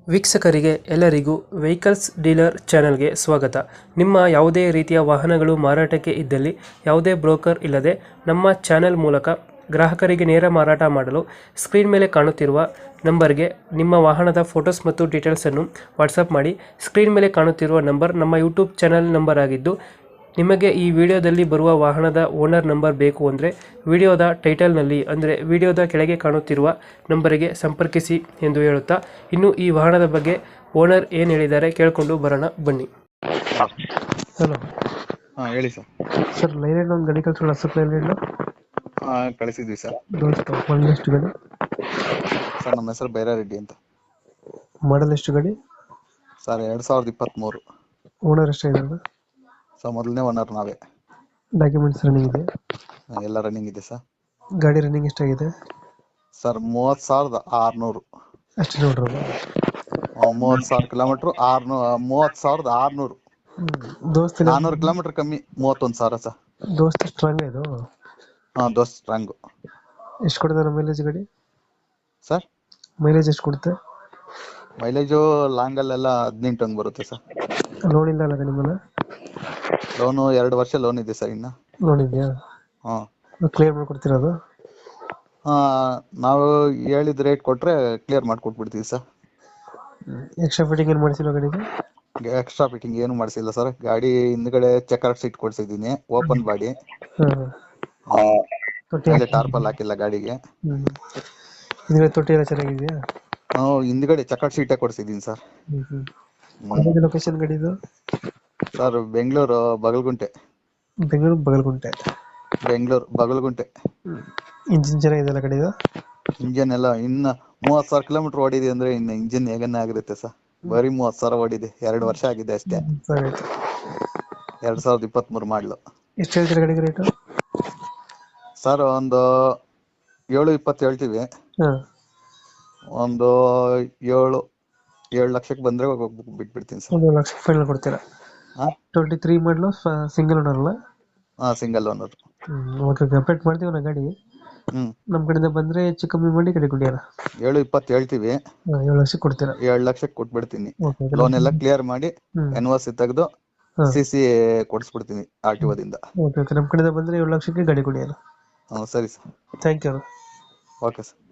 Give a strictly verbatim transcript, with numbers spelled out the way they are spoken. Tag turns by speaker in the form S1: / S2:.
S1: ವೀಕ್ಷಕರಿಗೆ ಎಲ್ಲರಿಗೂ vehicles dealer ಚಾನೆಲ್ಗೆ ಸ್ವಾಗತ. ನಿಮ್ಮ ಯಾವುದೇ ರೀತಿಯ ವಾಹನಗಳು ಮಾರಾಟಕ್ಕೆ ಇದ್ದಲ್ಲಿ ಯಾವುದೇ ಬ್ರೋಕರ್ ಇಲ್ಲದೆ ನಮ್ಮ ಚಾನೆಲ್ ಮೂಲಕ ಗ್ರಾಹಕರಿಗೆ ನೇರ ಮಾರಾಟ ಮಾಡಲು ಸ್ಕ್ರೀನ್ ಮೇಲೆ ಕಾಣುತ್ತಿರುವ ನಂಬರ್ಗೆ ನಿಮ್ಮ ವಾಹನದ ಫೋಟೋಸ್ ಮತ್ತು ಡೀಟೇಲ್ಸನ್ನು ವಾಟ್ಸಪ್ ಮಾಡಿ. ಸ್ಕ್ರೀನ್ ಮೇಲೆ ಕಾಣುತ್ತಿರುವ ನಂಬರ್ ನಮ್ಮ ಯೂಟ್ಯೂಬ್ ಚಾನೆಲ್ ನಂಬರ್ ಆಗಿದ್ದು, ನಿಮಗೆ ಈ ವಿಡಿಯೋದಲ್ಲಿ ಬರುವ ವಾಹನದ ಓನರ್ ನಂಬರ್ ಬೇಕು ಅಂದರೆ ವಿಡಿಯೋದ ಟೈಟಲ್ನಲ್ಲಿ ಅಂದರೆ ವಿಡಿಯೋದ ಕೆಳಗೆ ಕಾಣುತ್ತಿರುವ ನಂಬರಿಗೆ ಸಂಪರ್ಕಿಸಿ ಎಂದು ಹೇಳುತ್ತಾ, ಇನ್ನು ಈ ವಾಹನದ ಬಗ್ಗೆ ಓನರ್ ಏನು ಹೇಳಿದ್ದಾರೆ ಕೇಳಿಕೊಂಡು ಬರೋಣ ಬನ್ನಿ. ಹಲೋ,
S2: ಹಾ ಹೇಳಿ ಸರ್.
S1: ಸರ್ ಲೈಲ್ಯಾಂಡ್ ಒಂದು ಗಾಡಿ ಕಳಿಸೋಣ ಸರ್. ಲೈಲ್ಯಾಂಡ್
S2: ಹಾ ಕಳಿಸಿದ್ವಿ ಸರ್.
S1: ದೋಸ್ತ ಮಾಡಲ್ ಎಷ್ಟು ಗಾಡಿ?
S2: ಸರ್ ನಮ್ಮ ಹೆಸರು ಬೈರಾರೆಡ್ಡಿ ಅಂತ.
S1: ಮಾಡಲ್ ಎಷ್ಟು ಗಾಡಿ?
S2: ಸರ್ ಎರಡ್ ಸಾವಿರದ ಇಪ್ಪತ್ತ್ ಮೂರು.
S1: ಓನರ್ ಎಷ್ಟಾಗಿದೆ?
S2: ಸರ್ ಮೊದಲನೇ ಓನರ್ ನಾವೇ.
S1: ಡಾಕ್ಯುಮೆಂಟ್ಸ್ ರನ್ನಿಂಗ್ ಇದೆ?
S2: ಎಲ್ಲ ರನ್ನಿಂಗ್ ಇದೆ ಸರ್.
S1: ಗಾಡಿ ರನ್ನಿಂಗ್ ಎಷ್ಟಾಗಿದೆ?
S2: ಸರ್ ಮೂವತ್ ಸಾವಿರದ ಆರ್ನೂರು.
S1: ಅಷ್ಟು ನೋಡ್ರಲ್ಲ.
S2: ಮೂವತ್ ಸಾವಿರ ಕಿಲೋಮೀಟರ್ ಆರ್ನೂ ಮೂವತ್ ಸಾವಿರದ ಆರ್ನೂರು.
S1: ದೋಸ್ತ
S2: ನಾನೂರು ಕಿಲೋಮೀಟರ್ ಕಮ್ಮಿ, ಮೂವತ್ತೊಂದು ಸಾವಿರ ಸರ್.
S1: ದೋಸ್ತ ಸ್ಟ್ರಾಂಗ್ ಇದು?
S2: ಹಾ ದೋಸ್ತ್ ಸ್ಟ್ರಾಂಗು.
S1: ಎಷ್ಟು ಕೊಡ್ತಾರೆ ಮೈಲೇಜ್ ಗಾಡಿ?
S2: ಸರ್
S1: ಮೈಲೇಜ್ ಎಷ್ಟು ಕೊಡುತ್ತೆ?
S2: ಮೈಲೇಜು ಲಾಂಗಲ್ಲೆಲ್ಲ ಹದಿನೆಂಟು ಹಂಗ್ ಬರುತ್ತೆ ಸರ್.
S1: ಲೋನ್ ಇಲ್ಲ ಅಲ್ಲ ಗಾಡಿ ಮೇಲೆ?
S2: ಲೋನು ಎರಡು ವರ್ಷ ಲೋನ್ ಇದೆ ಸರ್ ಇನ್ನ.
S1: ಲೋನ್ ಇದೆಯಾ?
S2: ಹಾ
S1: ಕ್ಲಿಯರ್ ಮಾಡ್ಕೊಡ್ತೀರದು?
S2: ಹಾ ನಾವು ಹೇಳಿದ ರೇಟ್ ಕೊಟ್ರೆ ಕ್ಲಿಯರ್ ಮಾಡ್ಕೊಟ್ಬಿಡ್ತೀವಿ ಸರ್.
S1: ಎಕ್ಸ್ಟ್ರಾ ಫಿಟ್ಟಿಂಗ್ ಏನು ಮಾಡಿಸಿಲ್ಲ ಗಾಡಿಗೆ?
S2: ಎಕ್ಸ್ಟ್ರಾ ಫಿಟ್ಟಿಂಗ್ ಏನು ಮಾಡಿಸಿಲ್ಲ ಸರ್. ಗಾಡಿ ಹಿಂದ್ಗಡೆ ಚೆಕರ್ ಸೀಟ್ ಕೊಡ್ಸಿದೀನಿ, ಓಪನ್ ಬಾಡಿ.
S1: ತೊಟ್ಟಿ
S2: ಟಾರ್ಪಲ್ ಹಾಕಿಲ್ಲ ಗಾಡಿಗೆ.
S1: ಹ್ಮ್ ಹಿಂದ್ಗಡೆ ತೊಟ್ಟಿ ಎಲ್ಲ ಚೆನ್ನಾಗಿದೆಯಾ?
S2: ನಾವು ಹಿಂದ್ಗಡೆ ಚೆಕರ್ ಸೀಟೇ ಕೊಡ್ಸಿದೀನಿ ಸರ್.
S1: ಹ್ಮ್ ಲೊಕೇಶನ್ ಗಾಡಿದು?
S2: ಸರ್ ಬೆಂಗಳೂರು ಬಗಲ್ಗುಂಟೆ.
S1: ಬೆಂಗಳೂರು ಬಗಲ್ಗುಂಟೆ.
S2: ಬೆಂಗಳೂರು ಬಗಲ್ಗುಂಟೆ.
S1: ಇಂಜಿನ್ ಚೆನ್ನಾಗಿದೆಯಲ್ಲ ಗಾಡಿದು?
S2: ಇಂಜಿನ್ ಎಲ್ಲ ಇನ್ನ ಮೂವತ್ ಸಾವಿರ ಕಿಲೋಮೀಟರ್ ಓಡಿದೆ ಅಂದ್ರೆ ಇನ್ನು ಇಂಜಿನ್ ಹೇಗನ್ನ ಆಗಿರುತ್ತೆ ಸರ್. ಬರೀ ಮೂವತ್ ಸಾವಿರ ಓಡಿದೆ, ಎರಡು ವರ್ಷ ಆಗಿದೆ ಅಷ್ಟೇ. ಎರಡ್ ಸಾವಿರದ ಇಪ್ಪತ್ತ್ ಮೂರು ಮಾಡ್ಲು.
S1: ಎಷ್ಟು ಹೇಳ್ತೀರಾ ಗಾಡಿಗೆ ರೇಟು?
S2: ಸರ್ ಒಂದು ಏಳು ಇಪ್ಪತ್ತು ಹೇಳ್ತೀವಿ. ಒಂದು ಏಳು ಏಳು ಲಕ್ಷಕ್ಕೆ ಬಂದ್ರೆ ಬಿಟ್ಬಿಡ್ತೀನಿ ಸರ್.
S1: ಒಂದು ಲಕ್ಷ ಫೈನಲ್ ಕೊಡ್ತೀರಾ? ಟ್ವೆಂಟಿ ತ್ರೀ ಮಾಡಲು, ಸಿಂಗಲ್ ಓನರ್ ಅಲ್ಲ?
S2: ಹಾ ಸಿಂಗಲ್ ಓನರ್.
S1: ಹ್ಮ್ ಓಕೆ ಓಕೆ, ಅಪ್ಡೇಟ್ ಮಾಡ್ತೀವಿ ನಾ ಗಾಡಿ.
S2: ಹ್ಮ್
S1: ನಮ್ಮ ಕಡೆಯಿಂದ ಬಂದ್ರೆ ಹೆಚ್ಚು ಕಮ್ಮಿ ಮಾಡಿ ಗಾಡಿ ಕೊಡಿಯಲ್ಲ.
S2: ಏಳು ಇಪ್ಪತ್ತು ಹೇಳ್ತೀವಿ.
S1: ಏಳು ಲಕ್ಷಕ್ಕೆ ಕೊಡ್ತೀರಾ?
S2: ಏಳು ಲಕ್ಷಕ್ಕೆ ಕೊಟ್ಬಿಡ್ತೀನಿ.
S1: ಓಕೆ.
S2: ಲೋನ್ ಎಲ್ಲ ಕ್ಲಿಯರ್ ಮಾಡಿ
S1: ಹ್ಮ್
S2: ಎನ್ ಒ ಸಿ ತೆಗೆದು ಸಿ ಸಿ ಕೊಡಿಸ್ಬಿಡ್ತೀನಿ ಆರ್ ಟಿ ಒದಿಂದ.
S1: ಓಕೆ ಓಕೆ, ನಮ್ಮ ಕಡೆಯಿಂದ ಬಂದ್ರೆ ಏಳು ಲಕ್ಷಕ್ಕೆ ಗಾಡಿ ಕೊಡಿಯಲ್ಲ.
S2: ಹ್ಮ್ ಸರಿ sir.
S1: Thank you.
S2: Okay sir.